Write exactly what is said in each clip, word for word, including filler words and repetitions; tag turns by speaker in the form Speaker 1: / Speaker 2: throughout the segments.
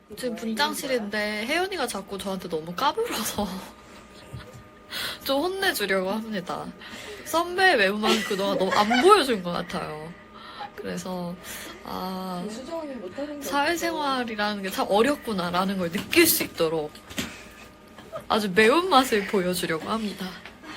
Speaker 1: 지금 분장실인데 혜연이가 자꾸 저한테 너무 까불어서 좀 혼내주려고 합니다. 선배의 외모만 그동안 너무 안 보여준 것 같아요. 그래서 아 사회생활이라는 게 참 어렵구나라는 걸 느낄 수 있도록 아주 매운맛을 보여주려고 합니다.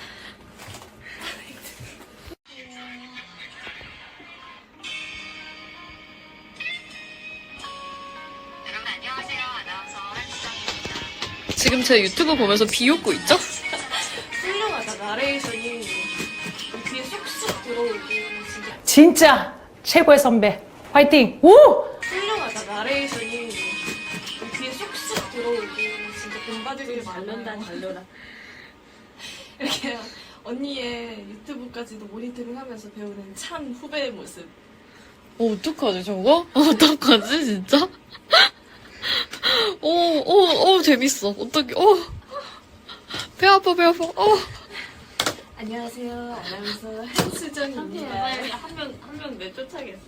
Speaker 1: 지금 제 유튜브 보면서 비웃고 있죠?
Speaker 2: 훌륭하다. 나레이션이 귀에 쏙쏙 들어오고 진짜
Speaker 3: 진짜 최고의 선배 화이팅! 우!
Speaker 2: 훌륭하다. 나레이션이 귀에 쏙쏙 들어오고 진짜 본받을 게 말른다 달려라. 이렇게 언니의 유튜브까지도 모니터링하면서 배우는 참 후배의 모습.
Speaker 1: 어, 어떡하지, 저거? 어떡하지, 진짜? 오, 오, 오, 재밌어. 어떡해, 오. 배 아파, 배 아파, 어.
Speaker 2: 안녕하세요. 아나운서 한수정입니다. 한명 한 명 내쫓아겠어.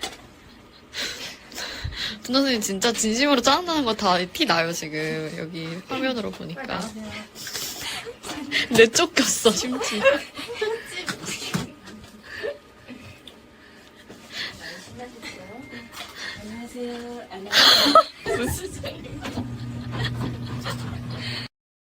Speaker 1: 분 선생님 진짜 진심으로 짜증나는 거 다 티 나요, 지금. 여기 화면으로 보니까. 내 쫓겼어, 심지어.
Speaker 2: 안녕하세요. 안녕하세요.